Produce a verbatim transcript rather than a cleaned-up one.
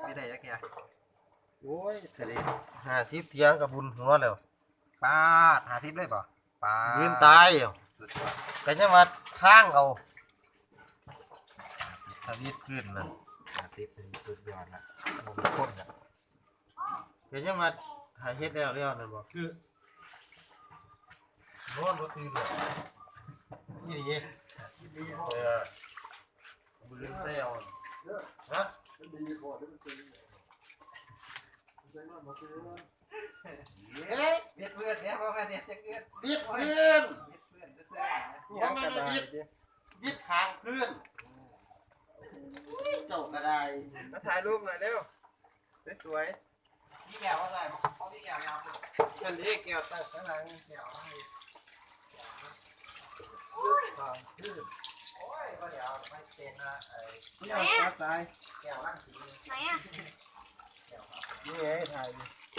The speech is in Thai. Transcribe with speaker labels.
Speaker 1: ไม่ได้ยักแกโอ้ยทะเล
Speaker 2: ห้าสิบเทียงกับบุญหัวแล้ว
Speaker 1: ปาดหาทิพย์เลยป่ะปาด
Speaker 2: ยืนตายอยู่
Speaker 1: สุดยอด
Speaker 2: ก็จะมาข้างเอาทวีตขึ้นนั่น
Speaker 1: หาทิพย์เป็นสุดยอดละโอ้โหข้นอ่ะ
Speaker 2: ก็จะมาหาเฮ็ดแล้วแล้วนั่นบ่คือนอนบ่ตื่นเลยนี่ดิเออบุญใส่เอาฮะ
Speaker 1: เฮ้ยเบียดเพื่อนเนี่ยพ่อแม่เนี่ยจะเกิด
Speaker 2: บิดพื้น
Speaker 1: เบียดเพื่อนจะเสื้อ
Speaker 2: หัวมันบิดบิดขางพื้นเจ้าก็ได้
Speaker 3: มาถ่ายรูปหน่อยเร็วสวย
Speaker 1: พี่แก้วอะไรเขาพี่แก้วยาว
Speaker 3: ๆอันนี้แก้วตั้งข้างหลังแก้วให้ความชื่น
Speaker 1: โอ้ยก็เดี๋ยวไม่เป็นนะไอ้
Speaker 3: นี่เอาตาตาย
Speaker 1: แก้วร่างสี
Speaker 4: ไหนอ่ะ
Speaker 3: นี่ไงถ่ายดิ